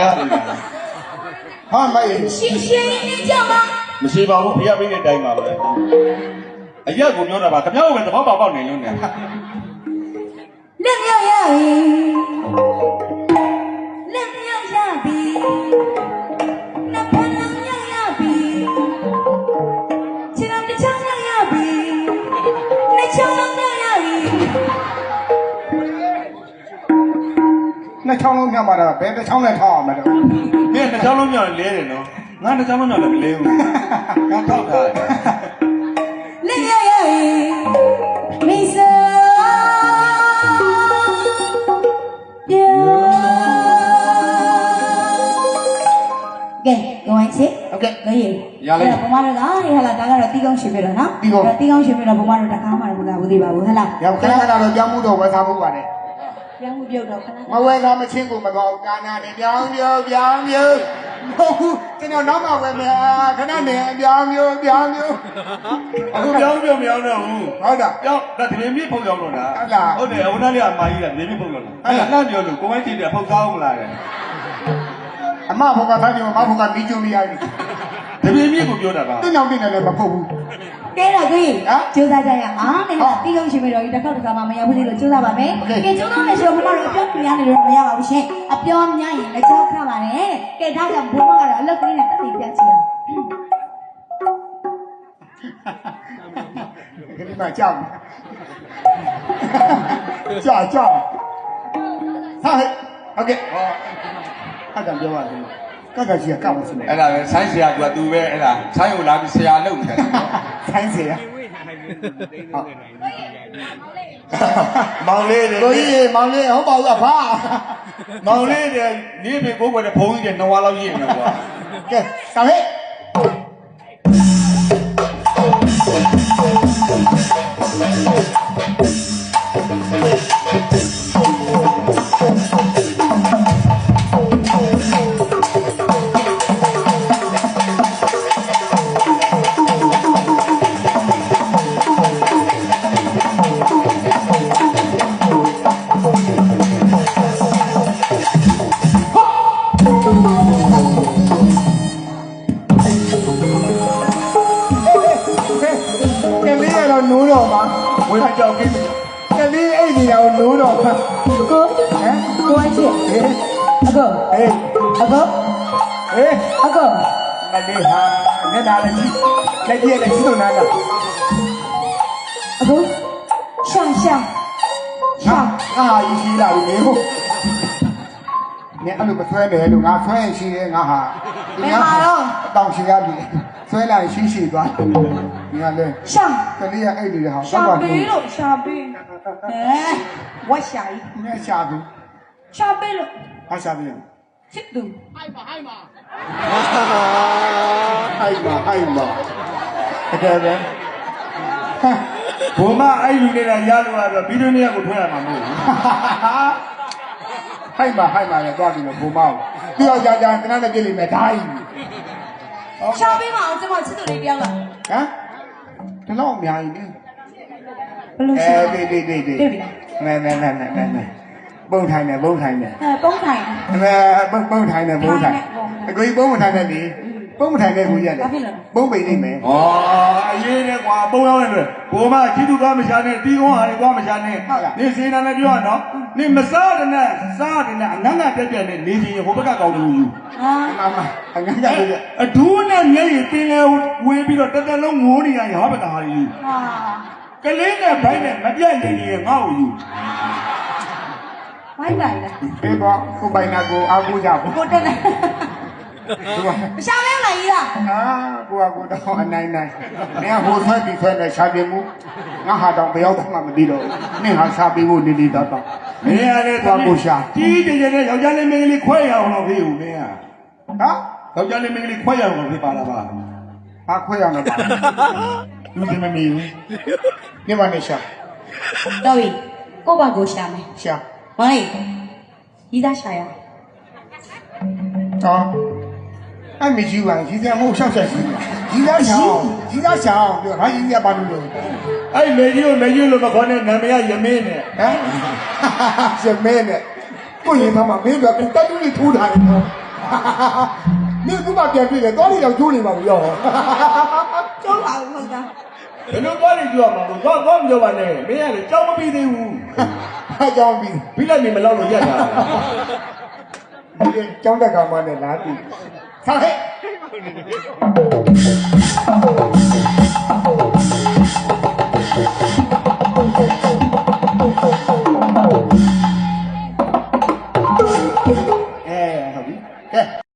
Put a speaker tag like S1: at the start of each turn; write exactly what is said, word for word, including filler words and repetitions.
S1: ဟာမိုက်
S2: ရှင်းရှင်းလေးကြောက်ပါ
S3: မရှိပါဘူးဖျက်ပေးတဲ့အတိုင်းပါပဲအရက်ကိုပြောတာပါခင်ဗျားကိုပဲသဘောပေါက်ပေါက်နေလို့နေ
S2: လက်မြောက်ရပြီလက်မြောက်ရပြီနှစ်ဖက်လုံးရရပြီခြေတော်တစ်ချောင်းရရပြီနှစ်ချောင်းလုံးရရပြီ
S1: နှစ်ချောင်းလုံးမြောက်ပါတော့ဘယ်တစ်ချောင်းနဲ့ထောက်အောင်မလဲ
S3: မင်းနှစ်ချောင်းလုံးမြောက်လဲတယ်နော်ငါနှစ်ချောင်းလုံးမြောက်လည်းမလဲဘူးငါထောက်ထားတယ်
S2: လက်မြောက်ရပြီမိတ်ဆွေကဲကိုဝိုင်းချစ်
S1: ဟုတ်ကဲ့
S2: လို့ရရလိုက်ဘုမတို့ကဟဲ့လာဒါကတော့တီးကောင်းရှင်ပြတော့နော်တီးကောင်းတီးကောင်းရှင်ပြတော့ဘုမတို့တကားမှလည်းမကဘူးသေးပါဘူးဟဲ့လား
S1: ရောက်ခဏခဏတော့ကြောင်းမှုတော့ဝယ်စားမှုပါတယ်
S2: ကြောင်းမှုပြုတ်တော့ခဏ
S1: မဝယ်စားမချင်းကိုမတော်ကာနာနေပြောင်းပြောပြောင်းမျိုးဟုတ်ကျွန်တော်နောက်မှဝယ်မယ်ခဏနေပြောင်းမျိုးပြောင်းမျိုး
S3: အခုပြောင်းပြောင်းမပြောင်းတော့ဘူး
S1: ဟုတ်တာ
S3: ပြောင်းဒါတရင်မြင့်ဖုတ်ရောက်တော့လားဟုတ်တယ်ဟိုနားလေးအမကြီးကမြင့်မြင့်ဖုတ်ရောက်လာအဲ့ဒါလှမ်းပြောလို့ကိုဝိုင်းကြည့်တယ်ဖုတ်ကောင်းမလား
S1: အမဘုကသားကြီးမဘုကမီးကျုံမရဘူး
S3: တပင်းမြင့်ကိုပြောတာပါ
S1: တင်းအောင်တင်းလည်းမဖုတ်ဘူး
S2: ကဲတော့ကိုကြီးကျိုးစားကြရအောင်နေလားတီးလုံးရှင်မတော်ကြီးတစ်ခေါက်တစ်ခါမှမရဘူးလို့ကျိုးစားပါမယ်ကဲကျိုးစားမယ်ဆိုတော့ဘုမတို့အပြောများနေလို့မရပါဘူးရှင်အပြောများရင်လက်ချောက်ခပါနဲ့ကဲဒါကြောင့်ဘုမကတော့အလုပ်ကလေးနဲ့တက်တည်ပြချင်
S1: ကလေးမကြောက်ကြောက်ကြောက်ဟာဟုတ်ကဲ့ဟောအဲ့ဒါပြောပါဦးကကကြီးကကောက်မစနေ
S3: အဲ့ဒါပဲဆိုင်းဆရာကသူပဲအဲ့ဒါဆိုင်းကိုလာပြီးဆရာလုပ်နေတယ်
S1: ဆိုင်းဆရာ
S3: မောင်လေး
S1: ကိုကြီးမောင်လေးဟုတ်ပါဘူးအဖ
S3: မောင်လေးတဲ့နေပြီကိုယ်ကလည်းဘုံကြီးတဲ့နဝါလောက်ရည်နေကွာ
S1: ကဲဆောင်ဟဲ့နိုးတော့မှာ
S3: ဝင်မကြောက်ကိ
S1: ကလေးအိတ်နေတာကိုနိုးတော့မှာ
S2: ကိုဟမ်ကိုအချစ်
S1: ဟေး
S2: အကော
S1: ဟေး
S2: အကော
S1: ဟေး
S2: အကော
S1: မလေးဟာမျက်နှာလည်းကြီးလက်ကြီးလည်းကြီးတော့နားလား
S2: အကောရှာရှာ
S1: ရှာအာကြီးကြီးလာပြီလေဟုတ်နေအဲ့လိုမဆွဲတယ်လို့ငါဆွဲရင်ရှိတယ်ငါဟာ
S2: ဒီငါတော့
S1: တောင်ရှိရပြီဆွဲလာရင်ရှိရှိသွားဒီကလည်း
S2: ရှာ
S1: ကလေးကအဲ့ဒီဟာ
S2: ရှာပေးလို့ရှာပေးဟဲဝတ်ရှာကြီး
S1: ငါရှာဘူး
S2: ရှာပေးလို့
S1: ဟာရှာပေး
S2: ချစ်သူ
S1: ဟိုက်ပါဟိုက်ပါဟိုက်ပါဟိုက်ပါတကယ်ပဲ
S3: ဘုံမအဲ့လူနေတာရလို့ရတော့ဗီဒီယိုနဲ့ကိုထွေးရမှာမဟုတ်ဘူး
S1: ဟိုက်ပါဟိုက်ပါလည်းသွားပြီးတော့ဘုံမောက်သူ့ယောက်ျားကတနက်နဲ့ပြည့်လိမ့်မယ်ဓာတ်
S2: ရှာပေးမအောင်ကျွန်မချစ်သူလေးတယောက်လား
S1: ဟမ်ဒီလောက်အများကြီးလေ
S2: ဘလို့ရှာ
S1: အေးတေးတေးတေးမဲမဲမဲမဲမဲပုံထိုင်တယ်ပုံထိုင်တယ်
S2: အဲပုံထိုင်
S1: မဲပုံပုံထိုင်တယ်ပုံထိုင်အကိုကြီးပုံမထိုင်တယ်လေပုံမထိုင်တဲ့ကိုကြီးရတယ်ပုံပိန်နေမယ်
S3: ဩအရေးနဲ့ကွာပုံရောက်နေတယ်ဘိုးမချစ်သူကမရှာနဲ့တီးကုန်းဟာတွေကွာမရှာနဲ့နေစေနာနဲ့ပြောရနော်နေမစားတဲ့နဲ့စားတဲ့နဲ့အငန်းငါပြက်ပြက်နဲ့နေချင်းဟိုဘက်ကကောင်းလို့ယူ
S1: ဟာမမအငန်းငါပြက်
S3: အဒူးနဲ့မျက်ရည်တင်းလဲဝေးပြီးတော့တက်တက်လုံးငိုးနေရရင်ဟာဘက်ကဟာယူ
S2: ဟာ
S3: ကလေးနဲ့ဘိုင်းနဲ့မပြတ်နေရင်ငါ့ကိုယူ
S2: ဘိုင်းလိုက်လား
S1: အေးပေါ့ကိုပိုင်နာကိုအားကိုးကြဘူး
S2: ကိုတက်နေရှာမဲလာကြီးလား
S1: အာကိုကကိုတော့အနိုင်နိုင်နင်ကဟိုဆွဲပြီးဆွဲနေရှာပြမှုငါဟာတော့ဘယ်ရောက်မှမသိတော့နင်ဟာရှာပြီးဖို့နေနေတော့တော့
S3: မင်းရတဲ့
S1: သွားကိုရှာ
S3: ကြီးကြီးကျယ်ကျယ်ယောက်ျားလေးမိန်းကလေးခွဲရအောင်လို့ဖေးဦးမင်းက
S1: ဟမ်
S3: ယောက်ျားလေးမိန်းကလေးခွဲရအောင်လို့ဖေးပါလားပါ
S1: ဟာခွဲရအောင်လို့ပါလူတွေမမီဘူးနေမနေရှာ
S2: တော်ပြီကိုပါကိုရှာမယ်
S1: ရှာ
S2: ဟောလေးရီးသားရှာရ
S1: ဟောအဲ့မကြီးပါကြီးစရာမဟုတ်ရှောက်ဆက်ရှိကြီးသားရှာကြီးသားရှာပြောဟာကြီးကပါလို့လို့
S3: အဲ့မေကြီးကိုမေကြီးလို့မခေါ်နဲ့နာမည်ရမင်းနဲ့
S1: ဟမ်ရမင်းနဲ့ကိုရင်မမမင်းတို့ကတက်တူးလေးထိုးထားတယ်နော်你他妈变对了，到底要救你吗？不要。
S2: ကျိုးပါဦးဟုတ်သား
S3: ဘယ်လိုသွားနေပြောမှာကိုသွားသွားမပြောပါနဲ့မင်းကလည်းကြောက်မပြီးသေးဘူး
S1: 还讲比，
S3: ပြီးလိုက်နေမလောက်လို့ရက်တာ
S1: 你讲这干嘛呢？哪里？上黑。